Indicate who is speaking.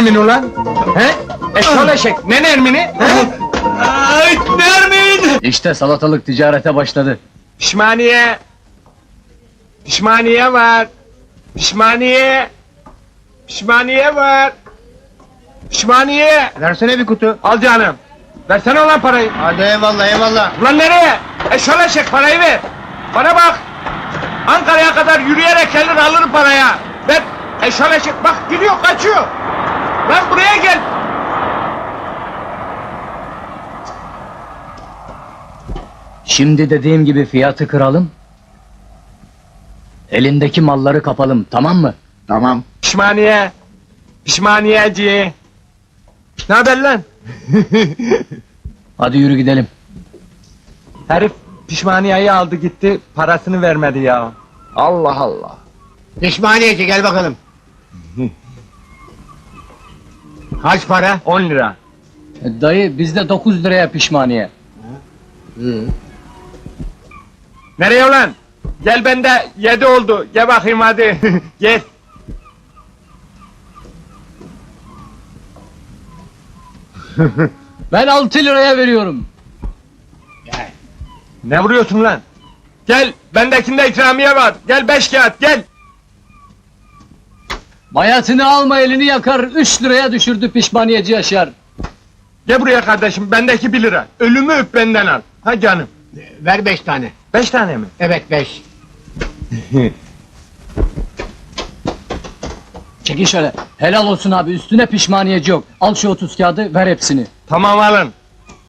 Speaker 1: Nermin ulan? He? Eşol eşek, ne Nermin'i? He?
Speaker 2: Ay Nermin!
Speaker 3: İşte salatalık ticarete başladı.
Speaker 1: Pişmaniye! Pişmaniye var! Pişmaniye! Pişmaniye var! Pişmaniye!
Speaker 2: Versene bir kutu.
Speaker 1: Al canım! Versene ulan parayı!
Speaker 2: Hadi eyvallah eyvallah.
Speaker 1: Ulan nereye? Eşol eşek, parayı ver! Bana bak! Ankara'ya kadar yürüyerek gelir alırım paraya! Ver! Eşol eşek, bak gidiyor, kaçıyor! Lan buraya gel!
Speaker 3: Şimdi dediğim gibi fiyatı kıralım. Elindeki malları kapalım, tamam mı?
Speaker 2: Tamam.
Speaker 1: Pişmaniye! Pişmaniyeci! Ne haber lan?
Speaker 3: Hadi yürü gidelim.
Speaker 1: Herif pişmaniyeyi aldı gitti, parasını vermedi ya. Allah Allah!
Speaker 2: Pişmaniyeci gel bakalım. Kaç para?
Speaker 1: 10 lira.
Speaker 3: Dayı bizde 9 liraya pişmaniye.
Speaker 1: Nereye ulan? Gel bende 7 oldu. Gel bakayım hadi. Gel.
Speaker 3: Ben 6 liraya veriyorum.
Speaker 1: Ne vuruyorsun lan? Gel, bendekinde ikramiye var. Gel 5 kağıt, gel.
Speaker 3: Bayatını alma elini yakar, 3 liraya düşürdü pişmaniyeci Yaşar.
Speaker 1: Gel buraya kardeşim, bendeki 1 lira. Ölümü öp benden al. Ha canım.
Speaker 2: Ver 5 tane.
Speaker 1: 5 tane mi?
Speaker 2: Evet 5.
Speaker 3: Çekin şöyle. Helal olsun abi, üstüne pişmaniyeci yok. Al şu 30 kağıdı, ver hepsini.
Speaker 1: Tamam alın.